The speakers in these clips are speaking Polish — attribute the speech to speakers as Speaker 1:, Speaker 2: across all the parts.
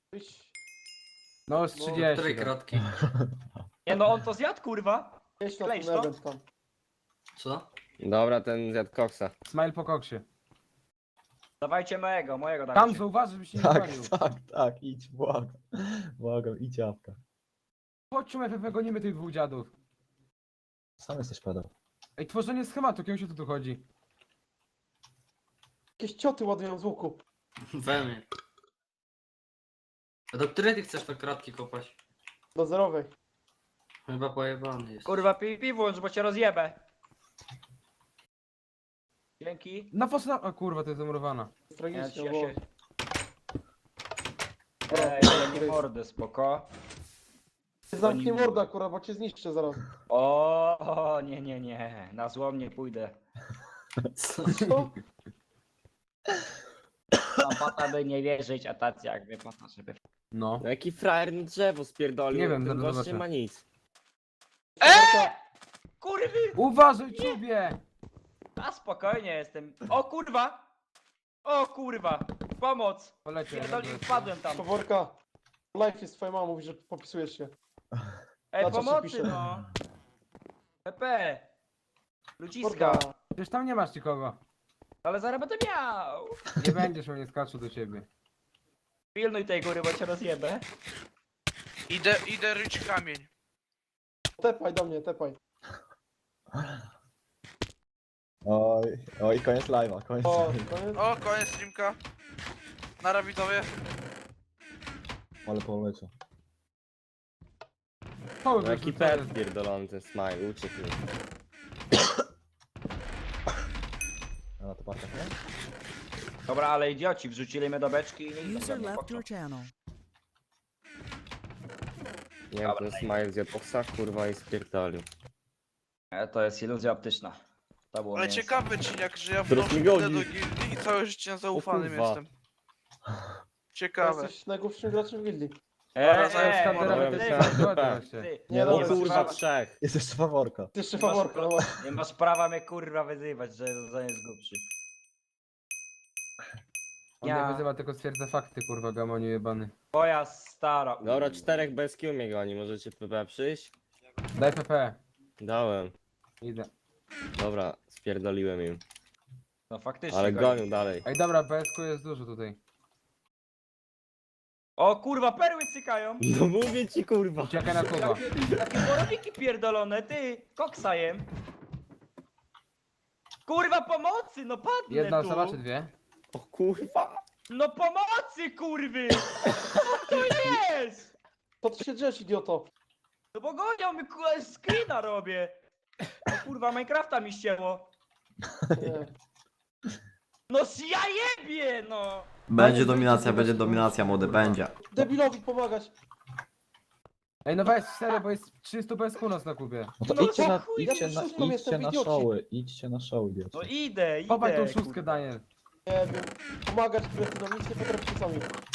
Speaker 1: No z 30.
Speaker 2: Której
Speaker 1: tak.
Speaker 2: kratki?
Speaker 3: Nie no, on to zjadł, kurwa.
Speaker 4: Jedź na
Speaker 3: Klejcz
Speaker 4: ten
Speaker 3: to.
Speaker 4: event tam.
Speaker 2: Co?
Speaker 5: Dobra, ten zjadł koksa.
Speaker 1: Smile po koksie.
Speaker 3: Dawajcie mojego
Speaker 1: Tam
Speaker 3: dawajcie.
Speaker 1: zauważ, żebyś się nie
Speaker 6: Tak,
Speaker 1: palił.
Speaker 6: tak, idź, błagam. Błagam, idź jawka.
Speaker 1: Chodźmy FF, gonimy tych dwóch dziadów.
Speaker 6: Sam jesteś pedał.
Speaker 1: Ej, tworzenie schematu, kim się tu chodzi?
Speaker 4: Jakieś cioty ładują z łuku.
Speaker 2: We mnie. A do której ty chcesz te kratki kopać?
Speaker 4: Do zerowej.
Speaker 2: Chyba pojebany jest.
Speaker 3: Kurwa, pi włącz, bo cię rozjebę. Dzięki.
Speaker 1: Na fosna... O kurwa, to jest zamurowana.
Speaker 4: Jest
Speaker 3: Ja
Speaker 4: tragicznie,
Speaker 3: się...
Speaker 4: bo...
Speaker 3: Ej, jakie mordy, spoko.
Speaker 4: Zamknij mordę akurat, bo cię zniszczę zaraz.
Speaker 3: O, nie. Na złom nie pójdę.
Speaker 2: Co?
Speaker 4: Co?
Speaker 3: Mam pata, by nie wierzyć, a tacy jakby pata, żeby...
Speaker 1: No.
Speaker 5: No jaki frajer na drzewo spierdolił,
Speaker 1: Nie wiem,
Speaker 5: ten
Speaker 1: zaraz
Speaker 5: gość nie
Speaker 1: zobaczę.
Speaker 5: ma nic.
Speaker 3: Kurwy!
Speaker 1: Uważaj, czubie!
Speaker 3: A spokojnie jestem. O kurwa! O kurwa! Pomoc!
Speaker 1: Polecie.
Speaker 3: Pierdolę, wpadłem tam.
Speaker 4: Faworka. Life jest twoja mama, mówi, że popisujesz się.
Speaker 3: Ej,
Speaker 4: Na co się
Speaker 3: pomocy
Speaker 4: pisze?
Speaker 3: no! PP! Ludziska!
Speaker 4: Morda.
Speaker 1: Przecież tam nie masz nikogo.
Speaker 3: Ale zaraz będę miał!
Speaker 1: Nie będziesz, on nie skaczą do ciebie.
Speaker 3: Pilnuj tej góry, bo cię rozjebę.
Speaker 7: Idę ryć kamień.
Speaker 4: Tepaj do mnie, tepaj.
Speaker 6: Oj, koniec live'a, koniec
Speaker 4: O,
Speaker 6: live'a.
Speaker 4: koniec.
Speaker 7: O, koniec streamka. Nara widzowie.
Speaker 6: Ale poleciał.
Speaker 1: O,
Speaker 5: No jaki pet pierdolony ten smile, uciekł mi.
Speaker 6: A na to patrzę, nie?
Speaker 3: Dobra, ale idioci, wrzucili mnie do beczki i nie
Speaker 8: User
Speaker 3: idą.
Speaker 8: left your channel.
Speaker 5: Nie wiem, ten smile zjadł koksa, kurwa i spierdolił.
Speaker 3: To jest iluzja optyczna. To było
Speaker 7: Ale
Speaker 3: mięso.
Speaker 7: ciekawy cieniak, że ja
Speaker 5: Teraz
Speaker 7: wnoszę
Speaker 5: mi
Speaker 7: do
Speaker 5: goni.
Speaker 7: gildii i całe życie zaufanym
Speaker 5: kurwa.
Speaker 7: jestem. Ciekawe.
Speaker 4: Jesteś najgłupszym graczem w gildii.
Speaker 5: Dobra,
Speaker 3: ty,
Speaker 4: Nie,
Speaker 5: O
Speaker 4: dobra,
Speaker 5: kurwa, trzech.
Speaker 6: Jest jeszcze faworka.
Speaker 4: Ty jeszcze
Speaker 3: Nie masz
Speaker 4: faworka, no właśnie.
Speaker 3: nie masz prawa mnie kurwa wyzywać, że jest głupszy.
Speaker 1: On
Speaker 3: Ja.
Speaker 1: nie wyzywa, tylko stwierdza fakty, kurwa, gamoniu jebany.
Speaker 3: Twoja stara.
Speaker 5: Dobra, czterech bez Q mnie goni, możecie PP przyjść?
Speaker 1: Daj PP.
Speaker 5: Dałem.
Speaker 1: Idę.
Speaker 5: Dobra, spierdoliłem im.
Speaker 3: No faktycznie.
Speaker 5: Ale
Speaker 3: goni.
Speaker 5: gonią dalej.
Speaker 1: Ej, dobra, PSK jest dużo tutaj.
Speaker 3: O kurwa, perły cykają.
Speaker 5: No mówię ci kurwa.
Speaker 1: Uciekaj na Kuba.
Speaker 3: Takie borowiki pierdolone, ty, koksajem. Kurwa pomocy, no padnę
Speaker 1: Jedna
Speaker 3: tu.
Speaker 1: osoba czy dwie?
Speaker 5: O kurwa.
Speaker 3: No pomocy, kurwy! Co to jest?
Speaker 4: Co ty się drzesz, idioto?
Speaker 3: No bo gonią mi, kurwa, screena robię. No kurwa, Minecrafta mi ścięło.
Speaker 4: Nie.
Speaker 3: No ja jebie, no!
Speaker 4: Będzie dominacja, młody, będzie. Debilowi pomagać.
Speaker 1: Ej, no weź serio, bo jest 300 PSK u nas na Kubie.
Speaker 6: No to
Speaker 3: No
Speaker 6: idźcie
Speaker 3: to
Speaker 6: na,
Speaker 3: chuj,
Speaker 6: idźcie
Speaker 4: no
Speaker 6: na,
Speaker 4: szóstką
Speaker 6: idźcie
Speaker 4: jestem,
Speaker 6: na
Speaker 4: idioci.
Speaker 6: showy, idźcie na show, idioci.
Speaker 3: No idę.
Speaker 1: Chowaj tą szóstkę,
Speaker 3: kurwa.
Speaker 1: Daniel.
Speaker 4: Nie wiem. Pomagać kretynom, nic nie potraficie sami.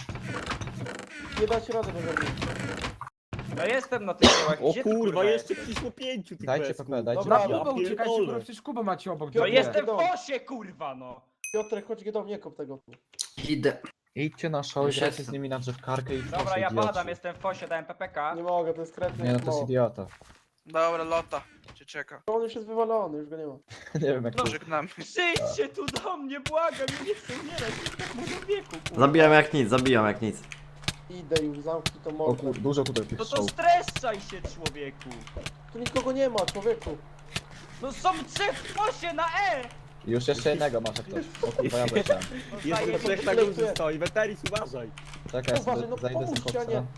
Speaker 4: Nie dacie rady bez mnie.
Speaker 3: No jestem na tych kołach.
Speaker 5: O
Speaker 3: Gdzie ty,
Speaker 5: kurwa, jeszcze
Speaker 3: jesteś?
Speaker 5: przyszło 5 tych
Speaker 6: Dajcie
Speaker 5: pesków.
Speaker 6: PP, dajcie
Speaker 4: Dobra,
Speaker 1: Na
Speaker 6: PP.
Speaker 1: Kubę uciekajcie,
Speaker 5: pierdolę.
Speaker 1: kurwa, przecież Kubę macie obok.
Speaker 3: No
Speaker 4: Piotr,
Speaker 1: gdzie?
Speaker 3: jestem w
Speaker 4: Dom.
Speaker 3: fosie, kurwa, no!
Speaker 4: Piotrek, chodź do mnie, nie kop tego.
Speaker 2: Idę.
Speaker 6: Idźcie na show,
Speaker 2: Już
Speaker 6: grajcie
Speaker 2: jestem.
Speaker 6: z nimi na drzewkarkę i
Speaker 3: Dobra,
Speaker 6: proszę,
Speaker 3: ja
Speaker 6: idioci.
Speaker 3: padam, jestem w fosie, dałem PPK.
Speaker 4: Nie mogę, to jest kretny.
Speaker 6: Nie no, to jest idiota.
Speaker 7: Dobra, lota. Cię czeka.
Speaker 4: On już jest wywalony, już go nie ma.
Speaker 6: Nie wiem jak to...
Speaker 7: Żegnamy.
Speaker 3: Przyjdźcie tu do mnie, błagam, ja nie chcę umierać w tak młodym wieku, kurwa.
Speaker 9: Zabijam jak nic.
Speaker 4: Idę już, zamknij to
Speaker 6: O
Speaker 4: mordę.
Speaker 6: kur... dużo tutaj tych
Speaker 3: No to
Speaker 6: show.
Speaker 3: streszczaj się, człowieku.
Speaker 4: Tu nikogo nie ma, człowieku.
Speaker 3: No są trzech w fosie na E!
Speaker 6: Już jeszcze jednego masz jak ktoś. O kurwa, ja leciałem.
Speaker 3: No
Speaker 5: Jeszcze
Speaker 3: zajebiście.
Speaker 5: trzech na górze stoi, Weteris uważaj.
Speaker 6: Czekaj,
Speaker 4: Uważaj,
Speaker 6: sobie
Speaker 4: no
Speaker 6: zajdę z
Speaker 4: pomóżcie, a
Speaker 6: koksa.
Speaker 4: nie.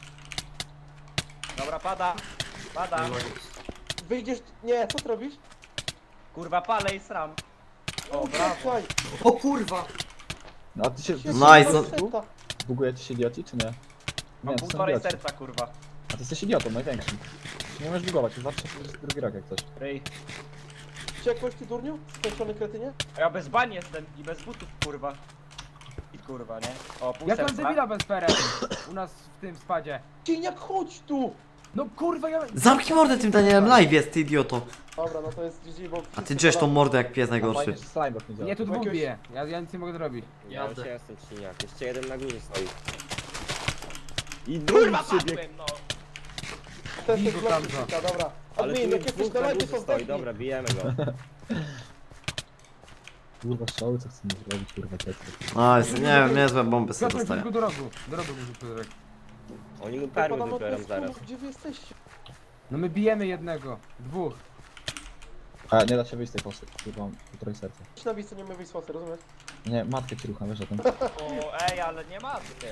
Speaker 3: Dobra, pada. Pada.
Speaker 4: Wyjdziesz... Nie, co ty robisz?
Speaker 3: Kurwa, palę i sram. O, brawo.
Speaker 4: Uciekaj.
Speaker 2: O kurwa!
Speaker 6: No a ty się...
Speaker 9: Nice, no.
Speaker 4: Seta.
Speaker 6: Bugujecie się idioci, czy nie?
Speaker 3: Mam
Speaker 6: Nie, to są
Speaker 3: półtorej
Speaker 6: idioci.
Speaker 3: serca, kurwa.
Speaker 6: A ty jesteś idiotą, największym. Nie możesz bugować, już zawsze drugi rok jak coś.
Speaker 3: Ryj.
Speaker 4: Uciekłeś ty, durniu? Skończony kretynie?
Speaker 3: A ja bez bań jestem i bez butów, kurwa. I kurwa, nie? O, pół
Speaker 1: Jak mam
Speaker 3: serca.
Speaker 1: debila bez perek u nas w tym spadzie.
Speaker 4: Cieniak, chodź tu!
Speaker 1: No kurwa, ja...
Speaker 9: Zamknij mordę tym Danielem, live jest, ty idioto.
Speaker 4: Dobra, no to jest GG, bo...
Speaker 9: A ty drzesz tą mordę jak pies
Speaker 6: A
Speaker 9: najgorszy.
Speaker 6: fajnie, że slime nie działa.
Speaker 1: Nie, tu dwóch
Speaker 4: Jakiegoś-
Speaker 1: bije. Ja nic nie mogę zrobić.
Speaker 5: Ja już jestem silniak, jeszcze jeden na górze stoi. I drugi
Speaker 3: Kurwa,
Speaker 5: przybieg.
Speaker 3: padłem, no.
Speaker 4: Testy
Speaker 1: Bigo
Speaker 4: z
Speaker 1: Kamza.
Speaker 4: Glocka, dobra.
Speaker 5: Ale
Speaker 4: Admin,
Speaker 5: tu
Speaker 4: jak jesteś
Speaker 5: dwóch
Speaker 4: na
Speaker 5: na
Speaker 4: live,
Speaker 5: górze
Speaker 4: to
Speaker 5: stoi,
Speaker 4: zdechnij.
Speaker 5: dobra, bijemy go.
Speaker 6: Kurwa, strzały, co chcemy zrobić, kurwa, testy.
Speaker 9: No, jest, nie wiem, niezłe bomby sobie
Speaker 1: Piotrek,
Speaker 9: dostaję.
Speaker 1: tylko do rogu. Do rogu może Piotrek.
Speaker 5: Oni mu
Speaker 4: Podam
Speaker 5: perły
Speaker 4: od
Speaker 5: wybiorą
Speaker 4: nas,
Speaker 5: zaraz.
Speaker 4: kurwa, gdzie wy jesteście?
Speaker 1: No my bijemy jednego. Dwóch.
Speaker 6: A, nie da się wyjść z tej fosy. Kurwa, mam półtorej serca.
Speaker 4: Idź na miejsce, nie my wyjść z fosy, rozumiesz?
Speaker 6: Nie, matkę ci rucha, wiesz o tym.
Speaker 3: O, ej, ale nie ma ty.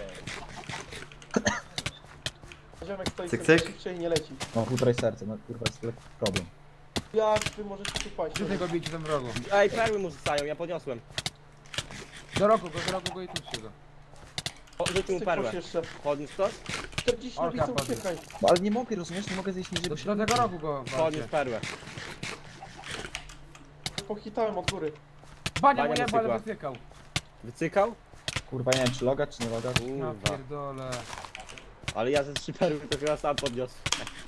Speaker 4: Ziomek stoi
Speaker 9: Cyk,
Speaker 4: sobie
Speaker 9: cyk.
Speaker 4: i nie leci.
Speaker 6: Mam półtorej serca, no kurwa, jest lekki problem.
Speaker 4: Jak wy możecie tu paść?
Speaker 1: Gdzie tego bijcie tam w rogu?
Speaker 5: Ej, perły mu zostają, ja podniosłem.
Speaker 1: Do rogu go i tuczcie go.
Speaker 5: O, rzucił mu perłę.
Speaker 4: jeszcze.
Speaker 5: Podniósł to?
Speaker 4: 40 na
Speaker 1: Orka
Speaker 4: widzę,
Speaker 1: padnie.
Speaker 4: uciekaj.
Speaker 6: No ale nie mogę, rozumiesz? Nie mogę zejść niżej, bo się...
Speaker 1: Do tego rogu go walcie.
Speaker 5: Podniósł perłę.
Speaker 4: Pochitałem od góry.
Speaker 1: Bania
Speaker 5: Bania
Speaker 1: mu jeba, ale
Speaker 5: wycykła.
Speaker 1: wytykał.
Speaker 5: Wycykał?
Speaker 6: Kurwa, nie wiem, czy logać, czy nie logać.
Speaker 1: No
Speaker 5: Kurwa.
Speaker 1: pierdole.
Speaker 5: Ale ja ze 3 perły to chyba sam podniosłem.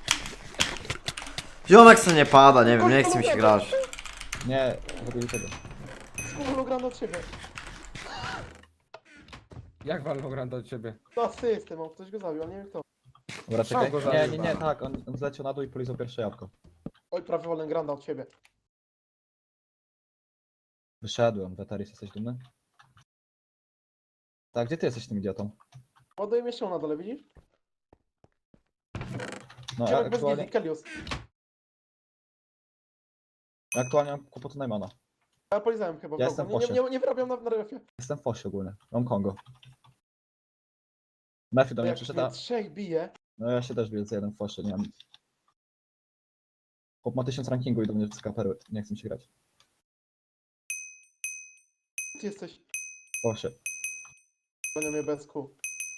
Speaker 9: Ziomek co nie pada, nie wiem, nie chce mi się grać.
Speaker 6: Nie, w ogóle tego.
Speaker 4: Z hologram od ciebie.
Speaker 1: Jak Valorant do ciebie?
Speaker 4: To asystę mam, ktoś go zabił, ale nie wiem kto.
Speaker 6: Dobra, czekaj.
Speaker 1: go
Speaker 6: Nie,
Speaker 1: zabił,
Speaker 6: nie, nie,
Speaker 1: pana.
Speaker 6: tak, on zleciał na dół i polizał pierwsze jabłko.
Speaker 4: Oj, prawie wolę granda od ciebie.
Speaker 6: Wyszedłem, Wetaris, jesteś dumny? Tak, gdzie ty jesteś tym idiotą?
Speaker 4: Ładuję jeszcze na dole, widzisz?
Speaker 6: No, ja
Speaker 4: Ziomek bez
Speaker 6: aktualnie,
Speaker 4: gildii, Kelios.
Speaker 6: aktualnie mam kłopoty Najmana.
Speaker 4: Ja polizałem chyba.
Speaker 6: Ja
Speaker 4: w
Speaker 6: jestem
Speaker 4: rogu.
Speaker 6: w
Speaker 4: nie,
Speaker 6: fosie.
Speaker 4: nie wyrabiam na refie.
Speaker 6: Jestem w fosie ogólnie, mam Kongo. Mefi do mnie
Speaker 4: Jak
Speaker 6: przyszedł,
Speaker 4: mnie
Speaker 6: a...
Speaker 4: trzech bije,
Speaker 6: No ja się też wielce jeden w fosie, nie mam... Chłop ma 1000 rankingu i do mnie wcyka perły, nie chcę mi się grać.
Speaker 4: ty jesteś.
Speaker 6: W fosie.
Speaker 4: Gonią mnie bez kół.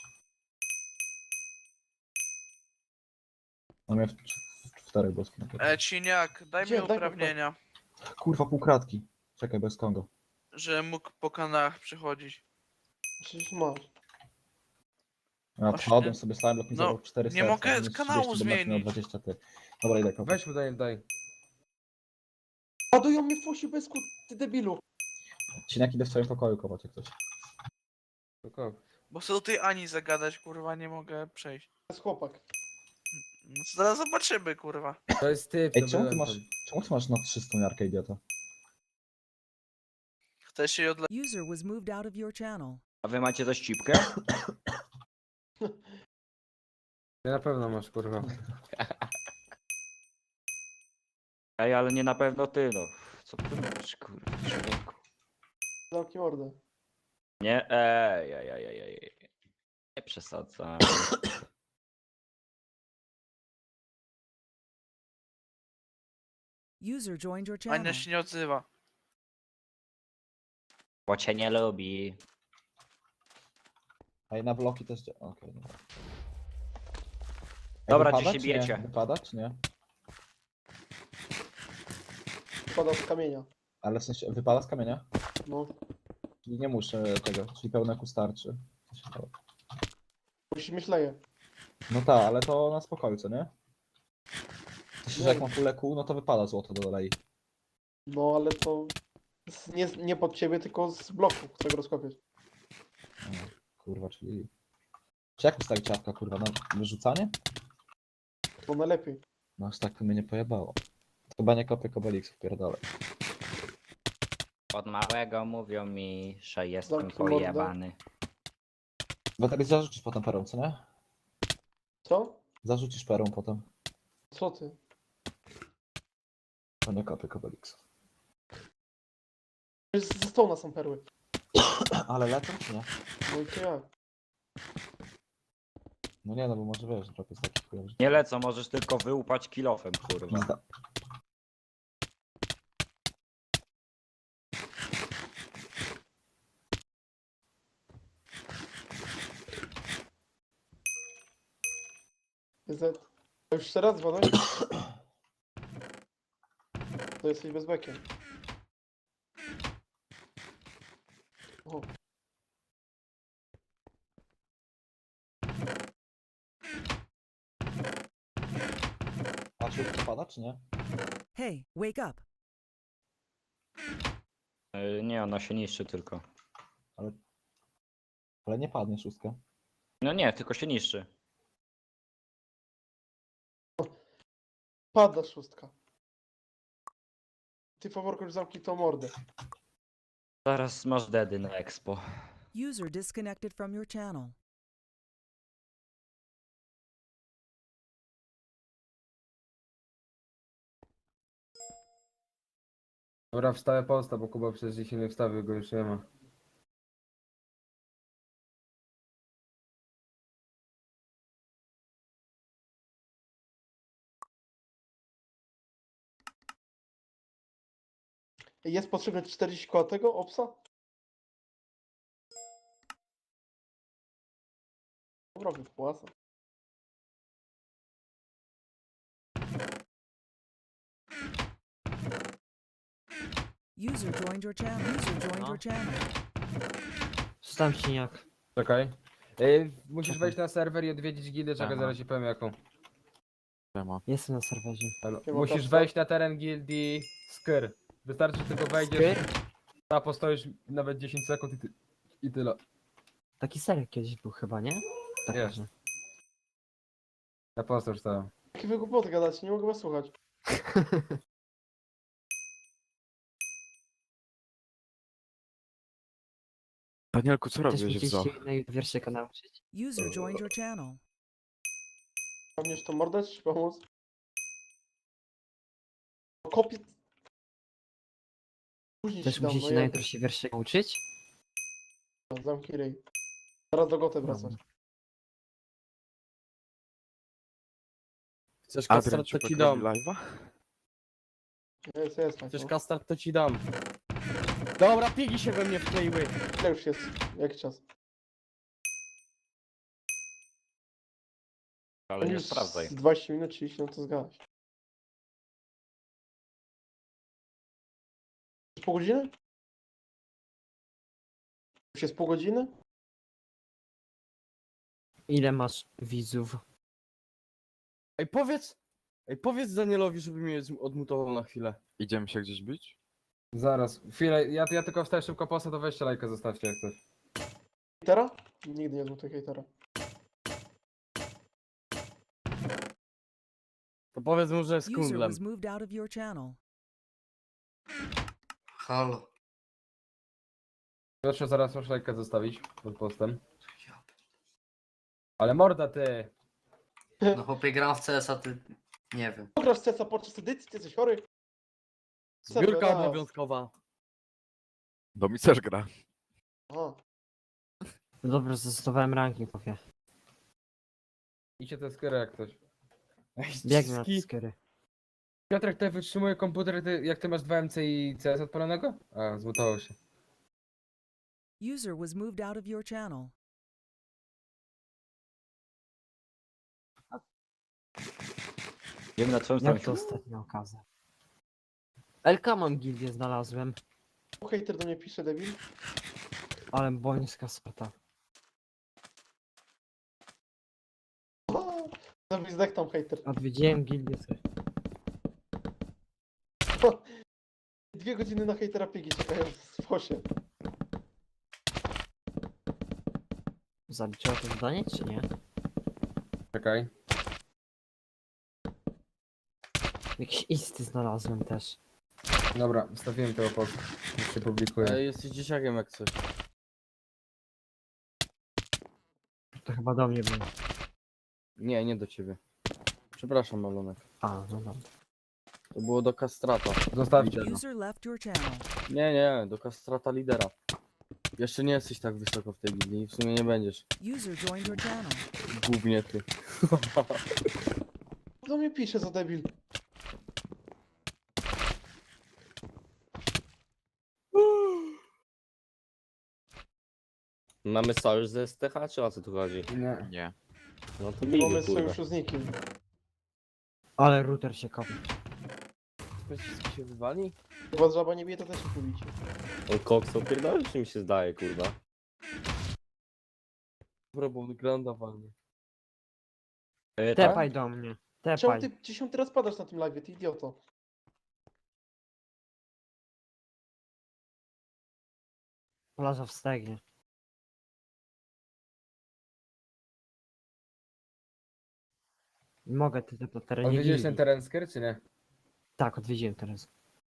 Speaker 6: On mnie w 4 boski.
Speaker 7: Ciniak, daj
Speaker 4: Gdzie?
Speaker 7: mi
Speaker 4: Daj
Speaker 7: uprawnienia,
Speaker 6: Kurwa, półkratki. Czekaj, bez Kongo.
Speaker 7: że mógł po kanałach przychodzić.
Speaker 4: Przecież masz.
Speaker 6: Ja
Speaker 7: Właśnie.
Speaker 6: wpadłem sobie, stałem, blok mi
Speaker 7: No,
Speaker 6: zabrał 4
Speaker 7: nie
Speaker 6: serca,
Speaker 7: mogę
Speaker 6: minus
Speaker 7: kanału
Speaker 6: 30 do Mefi miał
Speaker 7: zmienić.
Speaker 6: 20 ty. Dobra, idę kopać.
Speaker 1: Weź mu daj.
Speaker 4: Ładują mnie w fosie bez kół, ty debilu.
Speaker 6: Cieniak idę w swoim pokoju kopać jak coś.
Speaker 1: Tylko.
Speaker 7: Bo chcę do tej Ani zagadać, kurwa, nie mogę przejść.
Speaker 4: To jest chłopak.
Speaker 7: No to zaraz zobaczymy, kurwa.
Speaker 1: To jest typ,
Speaker 6: Ej,
Speaker 1: to
Speaker 6: czemu ty
Speaker 1: byłem
Speaker 6: masz,
Speaker 1: tam.
Speaker 6: czemu ty masz na 300 miarkę, idiota?
Speaker 7: Chcesz się odle...
Speaker 8: User was moved out of your channel.
Speaker 3: A wy macie też cipkę?
Speaker 1: Ty na pewno masz, kurwa.
Speaker 3: Ej, ale nie na pewno ty, no. Co ty mówisz, kurwa, człowieku?
Speaker 4: Zamknij mordę.
Speaker 3: Nie, ej. Nie przesadzam.
Speaker 8: User joined your channel.
Speaker 7: Ania się nie odzywa.
Speaker 3: Bo cię nie lubi.
Speaker 6: Ej, na bloki też dzia... Okej, dobra. Ej,
Speaker 3: Dobra,
Speaker 6: wypada,
Speaker 3: gdzie się
Speaker 6: czy nie?
Speaker 3: bijecie?
Speaker 6: Wypada, czy nie?
Speaker 4: Spada z kamienia.
Speaker 6: Ale w sensie, wypada z kamienia?
Speaker 4: No.
Speaker 6: Czyli nie muszę tego, czyli pełne ku starczy. Co się stało?
Speaker 4: Musisz myśleje.
Speaker 6: No tak, ale to na spokoju, co nie? W sensie, że
Speaker 4: Nie.
Speaker 6: jak mam pulę kół, no to wypada złoto do dolei.
Speaker 4: No ale to... Nie pod ciebie, tylko z bloku, chcę go rozkopiać.
Speaker 6: Kurwa, czyli... Czy jak ustawić ciapka, kurwa, na wyrzucanie?
Speaker 4: To najlepiej.
Speaker 6: No aż tak to mnie nie pojebało. Chyba nie kopię kobeliksów, pierdolę.
Speaker 3: Od małego mówią mi, że jestem
Speaker 4: Zamknij mordę.
Speaker 3: pojebany.
Speaker 6: Bo tak zarzucisz potem perą, co nie?
Speaker 4: Co?
Speaker 6: Zarzucisz perą potem.
Speaker 4: Co ty?
Speaker 6: To nie kopię kobeliksów.
Speaker 4: Ze stołu są perły.
Speaker 6: Ale lecą, czy nie?
Speaker 4: No i to jak?
Speaker 6: No nie, no bo może wiesz, drop jest taki chujowy. że-
Speaker 3: Nie lecą, możesz tylko wyłupać kilofem, kurwa.
Speaker 6: Pizda.
Speaker 4: Z. To już jeszcze raz dzwonek? To jesteś bez bekiem. O.
Speaker 6: A czy to pada, czy nie?
Speaker 8: Hey, wake up.
Speaker 3: Nie, ona się niszczy tylko.
Speaker 6: Ale nie padnie szóstka.
Speaker 3: No nie, tylko się niszczy.
Speaker 4: Pada szóstka. Ty faworko już zamknij tą mordę.
Speaker 10: Zaraz masz dedy na expo.
Speaker 8: User disconnected from your channel.
Speaker 1: Dobra, wstawę posta, bo Kuba przecież dzisiaj nie wstawił, go już nie ma.
Speaker 4: Jest potrzebne 40 koła tego obsa? Dobra, wypłacę.
Speaker 8: User joined your channel. User joined your channel.
Speaker 10: Stam siniak.
Speaker 1: Czekaj. Musisz wejść na serwer i odwiedzić gildię, czekaj, zaraz ci powiem jaką.
Speaker 10: Jestem na serwerze.
Speaker 4: Siema,
Speaker 1: Musisz
Speaker 4: Kasztan.
Speaker 1: wejść na teren gildii Skyr. Wystarczy, że tylko wejdziesz, a postoisz nawet 10 sekund i tyle.
Speaker 10: Taki serek kiedyś był chyba, nie? Tak.
Speaker 1: Jest.
Speaker 10: że-
Speaker 1: Ja posta już stałem.
Speaker 4: Jakie wy głupoty gadacie, nie mogę was słuchać.
Speaker 5: Danielku, co
Speaker 10: Chcesz mi gdzieś się wierszyka nauczyć?
Speaker 8: User joined your channel.
Speaker 4: Pamiętasz tą mordę, czy ci pomóc? Kopię... Później
Speaker 10: Chcesz
Speaker 4: ci
Speaker 10: mi
Speaker 4: dam,
Speaker 10: gdzieś
Speaker 4: no
Speaker 10: jutro się wierszyka uczyć?
Speaker 4: zamknij ryj. Zaraz do goty wracać.
Speaker 6: Chcesz
Speaker 5: Adrian,
Speaker 6: kastrat, to
Speaker 5: czy
Speaker 6: ci dam.
Speaker 5: live'a?
Speaker 4: Jest,
Speaker 6: Chcesz
Speaker 4: no.
Speaker 6: kastrat, to ci dam. Dobra, pigi się we mnie wkleiły.
Speaker 4: Ile już jest? Jaki czas?
Speaker 10: Ale nie
Speaker 4: Już
Speaker 10: sprawdzaj.
Speaker 4: z 20 minut, 30 minut to zgadać. Pół godziny? Już jest pół godziny?
Speaker 10: Ile masz widzów?
Speaker 6: Ej, powiedz Danielowi, żeby mnie odmutował na chwilę.
Speaker 5: Idziemy się gdzieś bić?
Speaker 1: Zaraz, chwilę, ja tylko wstaję szybko posta, to weźcie lajka, zostawcie jak coś.
Speaker 4: Hejtera? Nigdy nie zmutuję hejtera.
Speaker 6: To powiedz mu, że jest
Speaker 8: User
Speaker 6: kundlem.
Speaker 8: was moved out of your channel.
Speaker 2: Halo.
Speaker 1: Proszę zaraz masz lajka zostawić pod postem. Ale morda ty!
Speaker 2: No chłopie, gram w CS-a, ty... Nie wiem.
Speaker 4: Grasz CESa podczas edycji? Ty jesteś chory?
Speaker 6: Zbiórka
Speaker 4: raz.
Speaker 6: obowiązkowa.
Speaker 5: Domi też gra.
Speaker 4: Aha.
Speaker 10: No dobra, zastosowałem ranking, powiem.
Speaker 1: Idźcie te skry jak coś.
Speaker 6: Ej,
Speaker 10: Biegnę na te
Speaker 6: ski-
Speaker 10: skiery.
Speaker 1: Piotrek, ty wytrzymuje komputer, jak ty masz 2MC i CS odpalonego? A, zmutował się.
Speaker 8: User was moved out of your channel.
Speaker 10: Wiem na czym Jak to ostatnia okazja. LK mam gildię znalazłem,
Speaker 4: Hejter do mnie pisze, debil.
Speaker 10: ale bońska sparta.
Speaker 4: Zabij zdech tam hejter.
Speaker 10: Odwiedziłem gildię.
Speaker 4: 2 godziny na hejtera pigi czekają w fosie.
Speaker 10: Zaliczyła to zadanie, czy nie?
Speaker 1: Czekaj.
Speaker 10: Jakieś isty znalazłem też.
Speaker 1: Dobra, wstawiłem tego posta. Już się publikuje.
Speaker 6: Jesteś dzieciakiem jak coś.
Speaker 10: To chyba do mnie było.
Speaker 6: Nie, nie do ciebie. Przepraszam, Malonek.
Speaker 10: A, no dobra.
Speaker 6: To było do kastrata.
Speaker 1: Zostawcie.
Speaker 8: User left your channel.
Speaker 6: Nie, do kastrata lidera. Jeszcze nie jesteś tak wysoko w tej gildii i w sumie nie będziesz.
Speaker 8: User joined your channel.
Speaker 6: Głównie ty.
Speaker 4: Do mnie pisze za debil.
Speaker 5: Mamy sojusz ze STH, czy o co tu chodzi?
Speaker 1: Nie.
Speaker 5: Nie. No to
Speaker 4: Nie
Speaker 5: bij,
Speaker 4: mamy
Speaker 5: kurwa.
Speaker 4: sojuszu z nikim.
Speaker 10: Ale router się kopie.
Speaker 6: Pociski się wywali?
Speaker 4: Jak was żaba nie bije, to też się pobicie.
Speaker 5: On koksą pierdoli, czy mi się zdaje, kurwa?
Speaker 6: Dobra, bo on granda walnie.
Speaker 10: Tepaj do mnie.
Speaker 4: Czemu
Speaker 10: Tepaj.
Speaker 4: ty 10 teraz padasz na tym live, ty idioto?
Speaker 10: Plaża w stegnie. Mogę ty na terenie
Speaker 1: Odwiedziłeś
Speaker 10: gildii.
Speaker 1: ten teren Sker, czy nie?
Speaker 10: Tak, odwiedziłem teraz.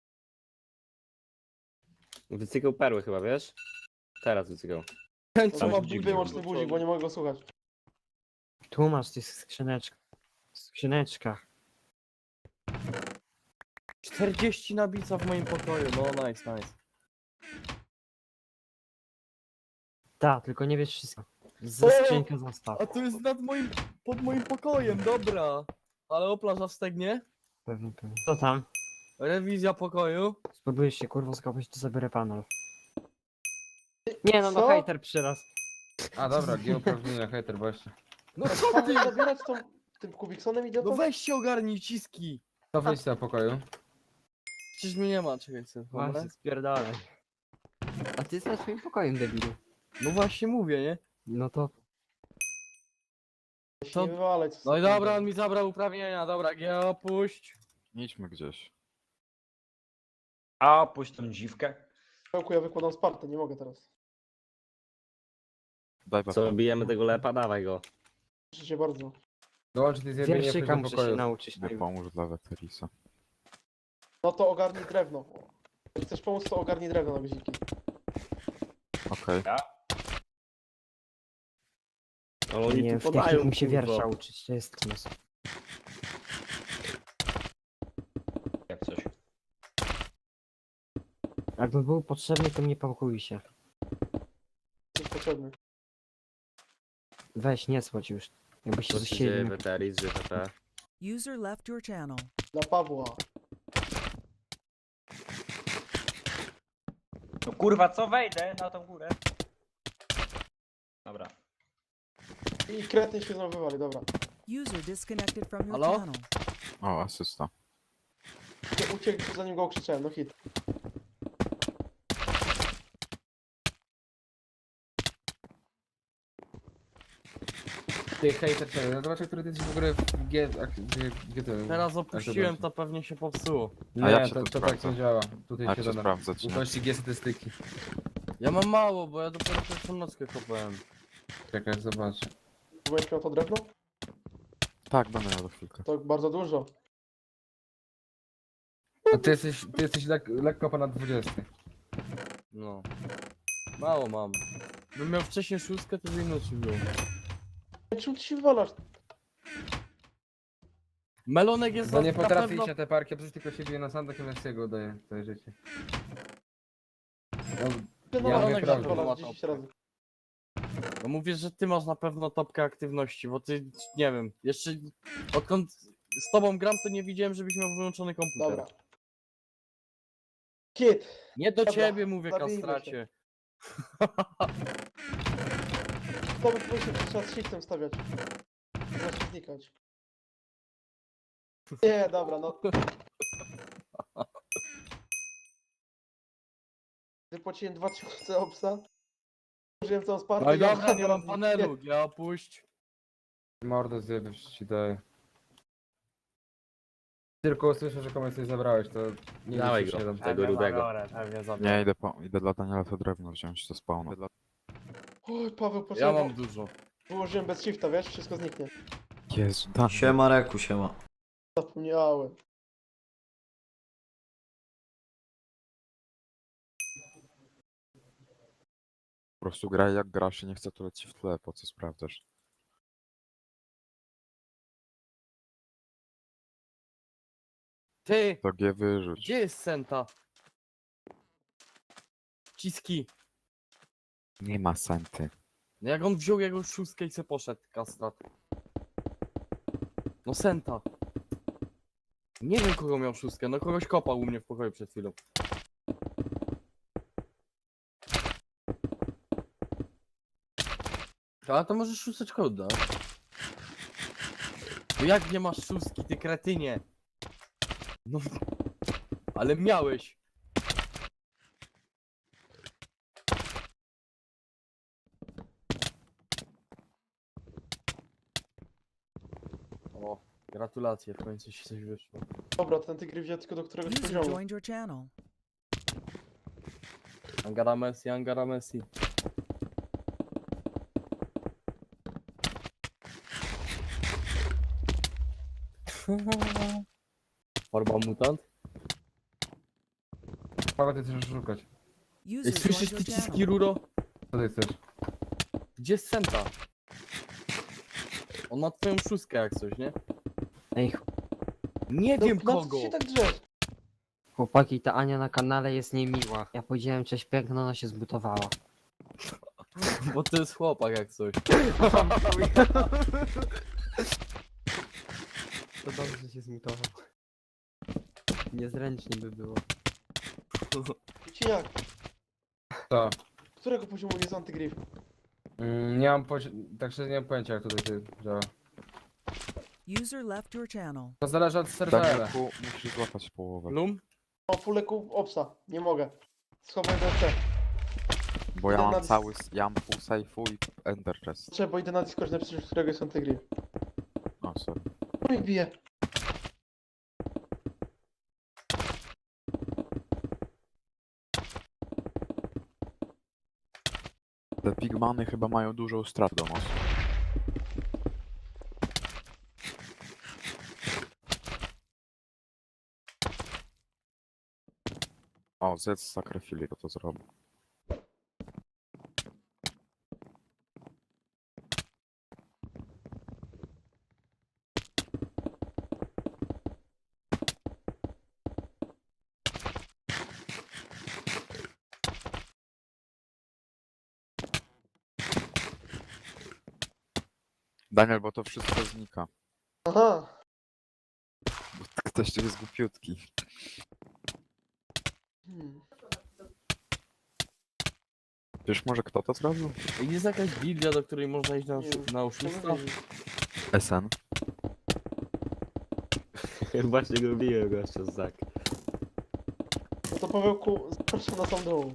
Speaker 5: Wycykał perły chyba, wiesz? Teraz wycykał.
Speaker 4: Ten co
Speaker 5: Tam
Speaker 4: ma
Speaker 5: się dziwnie
Speaker 4: wyłączny
Speaker 5: było.
Speaker 4: budzik, bo nie mogę go słuchać.
Speaker 10: Tu masz tych skrzyneczkach.
Speaker 3: 40 nabica w moim pokoju, no nice.
Speaker 10: Tak, tylko nie wiesz wszystko.
Speaker 3: O!
Speaker 10: Ze skrzynka zostaw.
Speaker 3: A to jest pod moim pokojem, dobra. Ale oplaża wstegnie.
Speaker 10: Pewnie. Co tam?
Speaker 3: Rewizja pokoju.
Speaker 10: Spróbujesz się kurwa skopać, to zabiorę panel. Nie no,
Speaker 4: Co?
Speaker 10: no hejter przyraz.
Speaker 1: A dobra, geoprawnienia, hater, właśnie.
Speaker 3: No co
Speaker 4: Pan
Speaker 3: ty?
Speaker 4: zabierać tym Kubiksonem idzie
Speaker 3: No
Speaker 4: to?
Speaker 3: weź się ogarnij ciski.
Speaker 1: To wyjść z tego pokoju.
Speaker 3: Przecież mnie nie ma, czekaj sobie. dobra?
Speaker 10: Właśnie spierdalaj. A ty jesteś swoim pokojem, debilu.
Speaker 3: No właśnie mówię, nie?
Speaker 10: No to...
Speaker 4: Nie wywalaj, co
Speaker 3: No i
Speaker 4: sobie
Speaker 3: dobra, on
Speaker 4: tam.
Speaker 3: mi zabrał uprawnienia, dobra, G opuść.
Speaker 11: Idźmy gdzieś.
Speaker 3: A, opuść tą dziwkę.
Speaker 4: Pełku, ja wykładam Spartę, nie mogę teraz.
Speaker 11: Daj
Speaker 5: Co,
Speaker 11: babkę.
Speaker 5: bijemy tego lepa? Dawaj go.
Speaker 4: Proszę cię bardzo.
Speaker 1: Dołącz ty zjebienie
Speaker 10: Wierszyka
Speaker 1: do
Speaker 10: muszę się
Speaker 1: pokoju.
Speaker 10: nauczyć.
Speaker 11: Nie pomóż dla Weterisa.
Speaker 4: No to ogarnij drewno. Jak chcesz pomóc, to ogarnij drewno na guziki.
Speaker 11: Okej.
Speaker 5: Ale oni
Speaker 10: Nie,
Speaker 5: tu
Speaker 10: w
Speaker 5: podają,
Speaker 10: technikum się
Speaker 5: kurwa.
Speaker 10: wiersza uczyć, to jest knos.
Speaker 3: Jak coś.
Speaker 10: Jakby był potrzebny, to nie pakuj się.
Speaker 4: Jesteś potrzebny.
Speaker 10: Weź, nie słodź już. Jakby się
Speaker 5: Co
Speaker 10: ze
Speaker 5: się dzieje,
Speaker 10: siebie...
Speaker 5: Weteris, GTP?
Speaker 8: User left your channel.
Speaker 4: Dla Pawła.
Speaker 3: No kurwa, co wejdę na tą górę? Dobra.
Speaker 4: I kretyn się znowu wywali, dobra.
Speaker 8: User disconnected from your
Speaker 3: Halo?
Speaker 8: channel.
Speaker 11: O, asysta.
Speaker 4: Uciekł zanim go okrzyczałem, no hit.
Speaker 1: Ty hater, czekaj, no zobacz, który ty jesteś w ogóle w G... Gdzie to?
Speaker 3: Teraz
Speaker 1: Jak to
Speaker 3: opuściłem,
Speaker 1: będzie?
Speaker 3: to pewnie się popsuło.
Speaker 11: A jak
Speaker 1: Nie,
Speaker 11: się
Speaker 1: to,
Speaker 11: to
Speaker 1: to tak
Speaker 11: sprawdza?
Speaker 1: nie działa. Tutaj
Speaker 11: Jak
Speaker 1: się
Speaker 11: się
Speaker 1: doda.
Speaker 11: sprawdzać, nie?
Speaker 1: Ukości G statystyki.
Speaker 3: Ja mam mało, bo ja dopiero pierwszą nockę kopałem.
Speaker 1: Czekaj, zobacz.
Speaker 4: Będziesz miał to drewno?
Speaker 11: Tak, będę miał za chwilkę.
Speaker 4: To bardzo dużo.
Speaker 1: A ty jesteś lekko ponad 20.
Speaker 3: No. Mało mam. Bym miał wcześniej szóstkę, to by inaczej było.
Speaker 4: Czemu ty się wywalasz?
Speaker 3: Melonek jest
Speaker 1: Bo nie
Speaker 3: na
Speaker 1: potrafi
Speaker 3: pewno...
Speaker 1: iść na te parki, a przecież tylko się bije na sandach i Messiego daje całe życie. No,
Speaker 4: Ty
Speaker 1: Ja
Speaker 4: no,
Speaker 1: mówię
Speaker 4: tak
Speaker 1: prawdę.
Speaker 4: wywalasz 10 razy.
Speaker 3: No mówię, że ty masz na pewno topkę aktywności, bo ty, nie wiem, jeszcze odkąd z tobą gram, to nie widziałem, żebyś miał wyłączony komputer.
Speaker 4: Dobra. Kit!
Speaker 3: Nie do
Speaker 4: Dobra,
Speaker 3: ciebie mówię,
Speaker 4: zabijmy się.
Speaker 3: kastracie.
Speaker 4: To by powinien trzeba z shiftem stawiać. Znaczy znikać. Nie, dobra, no. Wypłaciłem 2000 obsa. Użyłem całą Spartę.
Speaker 3: No i
Speaker 4: i
Speaker 3: dobra, nie
Speaker 4: teraz
Speaker 3: mam panelu, ja opuść.
Speaker 1: mordę zjebiesz ci daje. Tylko usłyszę, że komuś coś zabrałeś, to nie
Speaker 5: Dawaj
Speaker 1: liczysz
Speaker 5: go.
Speaker 1: się tam.
Speaker 5: Tego rudego.
Speaker 3: Pewnie
Speaker 11: Nie, idę dla Daniela to drewno wziąć, to spawna.
Speaker 4: Oj, Paweł,
Speaker 3: Ja
Speaker 4: poczekaj.
Speaker 3: mam dużo.
Speaker 4: Wyłożyłem bez shifta, wiesz? Wszystko zniknie.
Speaker 11: Jezu, Daniel.
Speaker 9: Siema Reku, siema.
Speaker 4: Zapomniałem.
Speaker 11: Po prostu graj jak grasz i nie chcę tu leci w tle, po co sprawdzasz?
Speaker 3: Ty,
Speaker 11: To G wyrzuć.
Speaker 3: gdzie jest Senta? Ciski.
Speaker 11: Nie ma senty.
Speaker 3: No jak on wziął jego szóstkę i se poszedł, kastrat. No Senta. Nie wiem kogo miał szóstkę, no kogoś kopał u mnie w pokoju przed chwilą. A to może szósteczkę odda. No jak nie masz szóstki, ty kretynie? No, ale miałeś. O, gratulacje, w końcu ci coś wyszło.
Speaker 4: Dobra, ten tygry wziął tylko do któregoś
Speaker 8: User
Speaker 4: poziomu.
Speaker 8: joined your channel.
Speaker 3: Angara Messi, Angara Messi. Forma mutant.
Speaker 1: Paweł, ty chcesz szukać.
Speaker 8: User
Speaker 3: Słyszysz
Speaker 8: joined
Speaker 3: ty
Speaker 8: your channel.
Speaker 3: ciski, Ruro?
Speaker 1: Co ty chcesz?
Speaker 3: Gdzie jest Senta? On ma twoją szóstkę jak coś, nie?
Speaker 10: Ej,
Speaker 3: Nie
Speaker 4: No,
Speaker 3: wiem
Speaker 4: na co
Speaker 3: kogo!
Speaker 4: ty się tak drzesz?
Speaker 10: chłopaki, ta Ania na kanale jest niemiła. Ja powiedziałem cześć piękno, ona się zbutowała.
Speaker 3: Bo to jest chłopak jak coś.
Speaker 10: To dobrze, że się zmutował. Niezręcznie by było.
Speaker 4: Cieniak,
Speaker 1: Co?
Speaker 4: którego poziomu jest antygryf?
Speaker 1: Nie mam tak szczerze nie mam pojęcia jak tutaj ty działa.
Speaker 8: User left your channel.
Speaker 1: To zależy od serwera.
Speaker 11: Danielku, musisz złapać połowę.
Speaker 3: Lum?
Speaker 4: O, fuleku obsa, nie mogę. Schowaj BC.
Speaker 11: Bo ja
Speaker 4: Idę
Speaker 11: mam
Speaker 4: na
Speaker 11: cały, ja mam pół sejfu i ender chest.
Speaker 4: Trzeba, idę na Discord napisać, którego jest antygryf.
Speaker 11: O, sorry.
Speaker 4: No i bije.
Speaker 11: Te pigmany chyba mają dużą strat do nas. O, zjedz sakrofili, to zrobię. Daniel, bo to wszystko znika.
Speaker 4: Aha.
Speaker 11: Bo ktoś tu jest głupiutki.
Speaker 4: Hmm.
Speaker 11: Wiesz może kto to zrobił?
Speaker 3: Jest jakaś gildia, do której można iść na,
Speaker 4: Nie wiem.
Speaker 3: na oszusta?
Speaker 4: Czemu wiedzieć?
Speaker 11: SN?
Speaker 5: Właśnie lubiłem gościa z Zak.
Speaker 4: No to Pawełku, zapraszam na sam dół.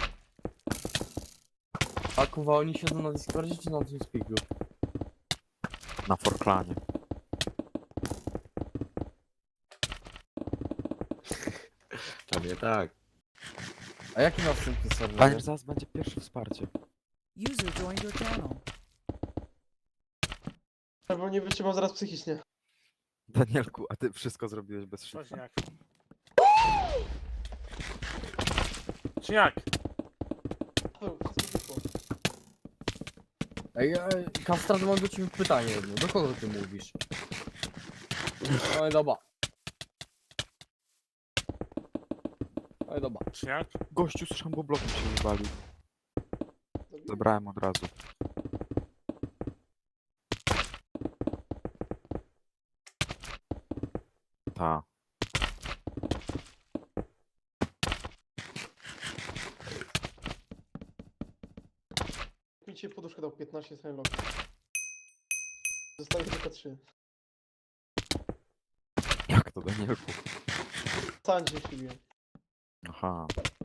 Speaker 3: A kuwa, oni siedzą na Discordzie czy na TeamSpeaku?
Speaker 11: Na Forklanie.
Speaker 5: Pewnie tak.
Speaker 3: A jaki ma wstępny serwer?
Speaker 11: Daniel, zaraz będzie pierwsze wsparcie.
Speaker 8: User joined your channel.
Speaker 4: Bo nie wytrzymam zaraz psychicznie.
Speaker 11: Danielku, a ty wszystko zrobiłeś bez szyfra.
Speaker 12: Czniak. Czniak.
Speaker 4: Paweł, wszystko wyszło.
Speaker 3: Ej, Kastrat, mam do ciebie pytanie jedno. Do kogo ty mówisz? Oj, dobra. Oj, dobra.
Speaker 12: Czniak.
Speaker 11: Gościu z szamboblokiem się wywalił. Zabrałem od razu. Ta.
Speaker 4: Mi dzisiaj poduszkę dał 15 loki. Zostaje tylko 3.
Speaker 11: Jak to, Danielku?
Speaker 4: Sam dzisiaj się biłem.
Speaker 11: Aha.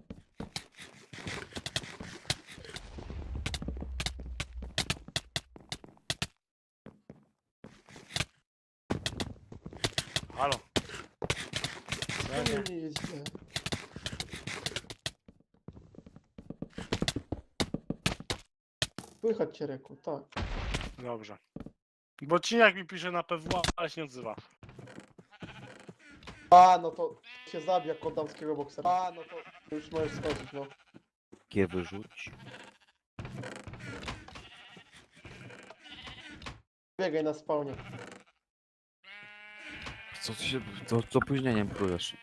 Speaker 12: Halo.
Speaker 4: Nie jest źle. Słychać cię, Reku, tak.
Speaker 12: Dobrze. Bo Czniak mi pisze na PW, ale się nie odzywa.
Speaker 4: A, no to się zabija jak damskiego boksera. A, no to już możesz skończyć, no.
Speaker 11: G wyrzuć.
Speaker 4: Biegaj na spawnie.
Speaker 11: Co ty się... To z opóźnieniem prójesz.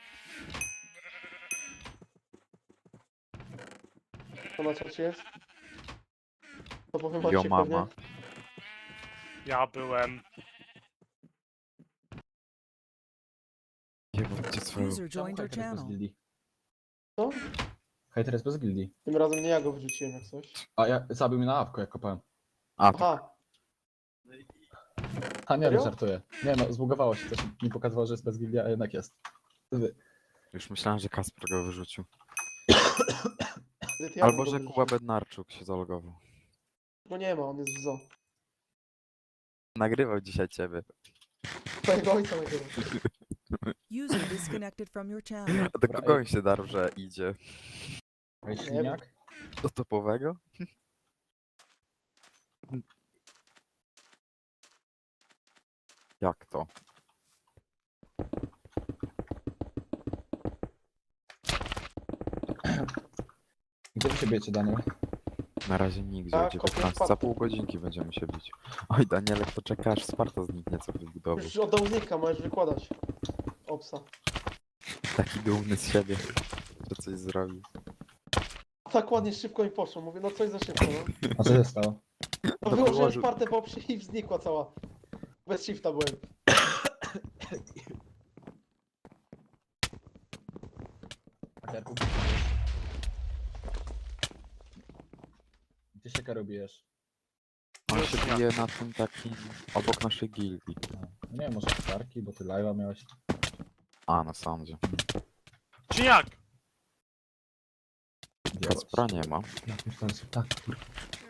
Speaker 4: To na czacie jest? To powiem
Speaker 11: Jo
Speaker 4: Macie
Speaker 11: mama.
Speaker 4: pewnie.
Speaker 12: Ja byłem.
Speaker 11: Jebać swoją...
Speaker 8: User joined your channel.
Speaker 4: Co?
Speaker 6: Hejter jest bez gildii.
Speaker 4: Tym razem nie ja go wyrzuciłem jak coś.
Speaker 6: A ja zabił mnie na apko, jak kopałem.
Speaker 11: A, to
Speaker 4: Aha,
Speaker 6: A nie,
Speaker 4: Serio?
Speaker 6: nie żartuję. Nie no, zbugowało się, coś mi pokazywało, że jest bez gildii, a jednak jest.
Speaker 11: już myślałem, że Kasper go wyrzucił.
Speaker 4: ja
Speaker 11: Albo
Speaker 4: go
Speaker 11: że
Speaker 4: wyrzuciłem.
Speaker 11: Kuba Bednarczuk się zalogował.
Speaker 4: No nie ma, on jest w zoo.
Speaker 11: Nagrywał dzisiaj ciebie.
Speaker 4: Twojego ojca nagrywa.
Speaker 8: User disconnected from your channel.
Speaker 11: A do kogo on się darł, że idzie?
Speaker 6: Rejśliniak?
Speaker 11: Do topowego? Jak to?
Speaker 6: Gdzie wy się bijecie, Daniel?
Speaker 11: Na razie nigdzie,
Speaker 4: Tak,
Speaker 11: o 19. Za pół godzinki będziemy się bić. Oj, Danielek, to czeka aż Sparta zniknie, co wybudował.
Speaker 4: Już oddał znika, możesz wykładać. Opsa.
Speaker 11: Taki dumny z siebie, że coś zrobił.
Speaker 4: Tak ładnie szybko mi poszło, mówię, no coś za szybko, no.
Speaker 6: A co się stało?
Speaker 4: No wyłożyłem Spartę po oprzy i znikła cała. Bez shifta byłem.
Speaker 6: Gdzie się karubijesz?
Speaker 11: On się bije na tym takim, obok naszej gildii.
Speaker 6: No nie wiem, może Starki, bo ty live'a miałeś.
Speaker 11: A, na sądzie.
Speaker 12: Czy jak?
Speaker 11: Kacpra nie ma.
Speaker 6: Ja pierdolę, tak, kurwa.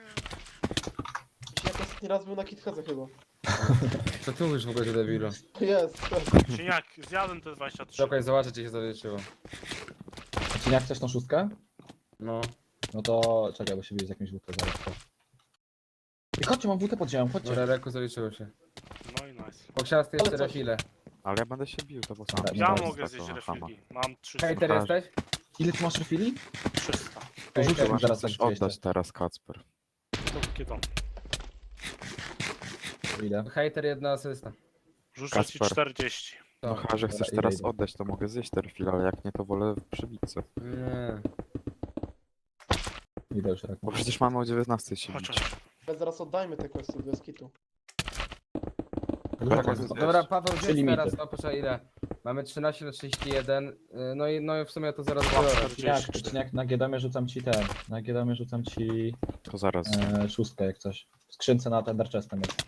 Speaker 4: Jak ostatni raz był na KitHedze chyba.
Speaker 1: Co ty mówisz w ogóle, debilu?
Speaker 4: Jest.
Speaker 12: Czy jak? Zjadłem te 23.
Speaker 1: Czekaj, zobaczę, czy się zawietrzyło.
Speaker 6: Czy jak chcesz tą szóstkę?
Speaker 1: No.
Speaker 6: No to czekaj, bo się bije z jakimś WT zaraz. I chodźcie, mam WT pod ziemią, chodźcie.
Speaker 1: Dobra, Reku zawietrzyło się.
Speaker 12: No i nice.
Speaker 1: Poksiasty
Speaker 4: Ale
Speaker 1: jeszcze
Speaker 4: coś-
Speaker 1: refile.
Speaker 11: Ale ja będę się bił, to bo sam.
Speaker 6: Dobra,
Speaker 12: Ja
Speaker 6: no,
Speaker 12: mogę zjeść refilki. Mam 300.
Speaker 1: Hejter jesteś?
Speaker 6: Ile ty masz refili?
Speaker 12: 300.
Speaker 6: To rzucę
Speaker 1: Hejter.
Speaker 6: mi zaraz
Speaker 11: Chcesz
Speaker 6: tak
Speaker 11: oddać teraz Kacper.
Speaker 12: To kiedy?
Speaker 6: Ile?
Speaker 1: Hejter, jedna asysta.
Speaker 12: Rzucę ci
Speaker 11: Kacper.
Speaker 12: 40.
Speaker 11: No chyba, że chcesz
Speaker 6: Dobra,
Speaker 11: teraz
Speaker 6: idę.
Speaker 11: oddać, to mogę zjeść te refile, ale jak nie, to wolę przybić.
Speaker 1: Nie.
Speaker 6: Idę już tak.
Speaker 11: Bo przecież mamy o 19 się bić.
Speaker 12: Chociaż.
Speaker 4: Ale zaraz oddajmy te questy bez kitu.
Speaker 1: Dobra, Paweł,
Speaker 6: Trzy
Speaker 1: gdzie
Speaker 6: limity.
Speaker 1: teraz? No proszę, ile? Mamy 13 na 31. No i w sumie ja to zaraz
Speaker 12: Dobra.
Speaker 1: biorę.
Speaker 6: Jak na Giedomie rzucam ci ten. Na Giedomie rzucam ci
Speaker 11: To zaraz.
Speaker 6: szóstkę jak coś. W skrzynce na Tender Chestem jest.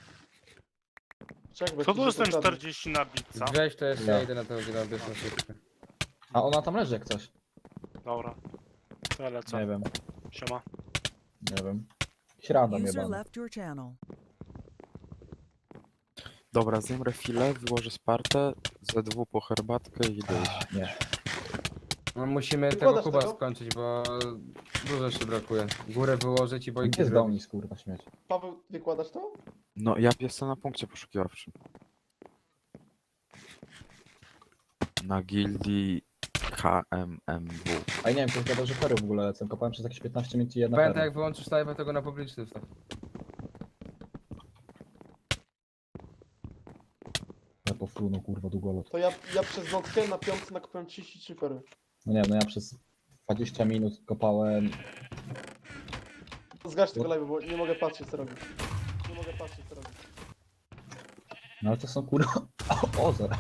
Speaker 4: Czek, bo
Speaker 12: Co
Speaker 4: ci
Speaker 12: tu
Speaker 4: się
Speaker 12: jestem
Speaker 4: pokradnie.
Speaker 12: 40 na bitca?
Speaker 1: Weź to jeszcze,
Speaker 6: Ja.
Speaker 1: ja idę na tego gigantyczną szybkę.
Speaker 6: A ona tam leży jak coś.
Speaker 12: Dobra. To ja lecę.
Speaker 6: Nie wiem,
Speaker 12: Siema.
Speaker 6: nie wiem. Śradam
Speaker 8: User
Speaker 6: jebany.
Speaker 8: left your channel.
Speaker 11: Dobra, zjem refile, wyłożę Spartę, ZW po herbatkę i idę iść.
Speaker 6: Nie.
Speaker 1: No musimy tego
Speaker 4: Wykładasz
Speaker 1: kuba
Speaker 4: tego?
Speaker 1: skończyć, bo dużo jeszcze brakuje. Górę wyłożyć i bojki
Speaker 6: Gdzie jest
Speaker 1: zrobić.
Speaker 6: Donis, kurwa, śmieć.
Speaker 4: Paweł, wykładasz to?
Speaker 11: No ja jestem na punkcie poszukiwawczym. Na gildii HMMW.
Speaker 6: A ja nie wiem, ktoś gadał, że fery w ogóle lecą. Kopałem przez jakieś 15 minut i jedna
Speaker 1: Pamiętaj,
Speaker 6: fera.
Speaker 1: jak wyłączysz live'a, tego na publiczny wstaw.
Speaker 6: Ja po frunu, kurwa, długolot.
Speaker 4: To ja przez nockę na piątce nakupiłem 33 fery.
Speaker 6: No nie wiem, no ja przez 20 minut kopałem.
Speaker 4: Zgaś tego live'a, bo nie mogę patrzeć co robisz. Nie mogę patrzeć co robisz.
Speaker 6: No ale to są kurwa. O,